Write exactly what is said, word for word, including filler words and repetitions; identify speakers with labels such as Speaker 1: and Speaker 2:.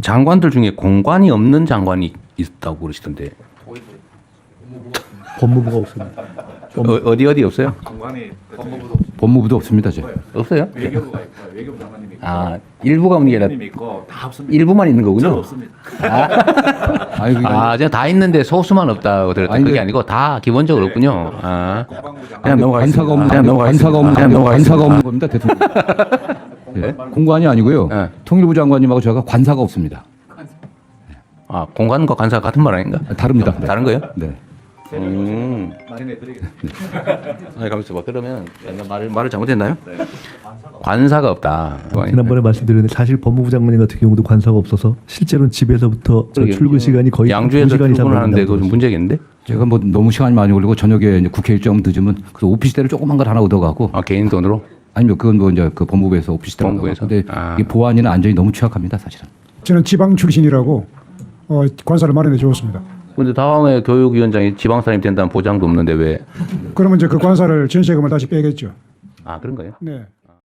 Speaker 1: 장관들 중에 공관이 없는 장관이 있다고 그러시던데.
Speaker 2: 법무부가 없습니다.
Speaker 1: 어, 어디 어디 없어요?
Speaker 3: 공관이 법무부도
Speaker 4: 법무부도 없습니다. 저.
Speaker 1: 없어요?
Speaker 3: 외교부가 있고 외교부 장관님이 있고
Speaker 1: 아 일부가 없는 게 아니라
Speaker 3: 장관님이 있고 다 없습니다.
Speaker 1: 일부만 있는
Speaker 3: 저는
Speaker 1: 거군요.
Speaker 3: 없습니다.
Speaker 4: 아니, 그게
Speaker 1: 아, 제가 다 있는데 소수만 없다고 들었다.
Speaker 4: 아니,
Speaker 1: 그게
Speaker 4: 그-
Speaker 1: 아니고 다 기본적으로 없군요. 아,
Speaker 3: 국방부 장관
Speaker 1: 그냥 넘어가겠습니다.
Speaker 4: 관사가 없는
Speaker 1: 그냥 넘어가겠습니다.
Speaker 4: 관사가 없는
Speaker 1: 그냥 넘어가겠습니다.
Speaker 4: 관사가 없는 겁니다. 대통령. 예? 공관이 아니고요.
Speaker 1: 네.
Speaker 4: 통일부 장관님하고 제가 관사가 없습니다.
Speaker 1: 아, 공관과 관사가 같은 말 아닌가?
Speaker 4: 다릅니다. 네.
Speaker 1: 다른 거예요?
Speaker 4: 네.
Speaker 1: 음.
Speaker 3: 마련해 드리겠습니다.
Speaker 1: 아니, 가만있어 봐. 그러면 내가 말을, 말을 잘못했나요? 관사가 없다.
Speaker 2: 지난번에 말씀드렸는데 사실 법무부 장관님 같은 경우도 관사가 없어서 실제로는 집에서부터 저
Speaker 1: 그러게요.
Speaker 2: 출근 시간이 거의
Speaker 1: 양주에서
Speaker 2: 두 시간 이상
Speaker 1: 출근하는데
Speaker 2: 걸린다고
Speaker 1: 그거 좀 문제겠는데?
Speaker 4: 제가 뭐 너무 시간이 많이 걸리고 저녁에 이제 국회 일정 늦으면 그 오피스텔을 조그만 걸 하나 얻어가고
Speaker 1: 아, 개인 돈으로?
Speaker 4: 아니면 그건 뭐 이제 그 법무부에서 오피스텔
Speaker 1: 법무부에서?
Speaker 4: 근데
Speaker 1: 아.
Speaker 4: 이 보안이나 안전이 너무 취약합니다, 사실은.
Speaker 5: 저는 지방 출신이라고 어, 관사를 마련해 주었습니다.
Speaker 1: 근데 다음에 교육위원장이 지방사람이 된다는 보장도 없는데 왜?
Speaker 5: 그러면 이제 그 관사를 전세금을 다시 빼겠죠.
Speaker 1: 아, 그런 거예요?
Speaker 5: 네.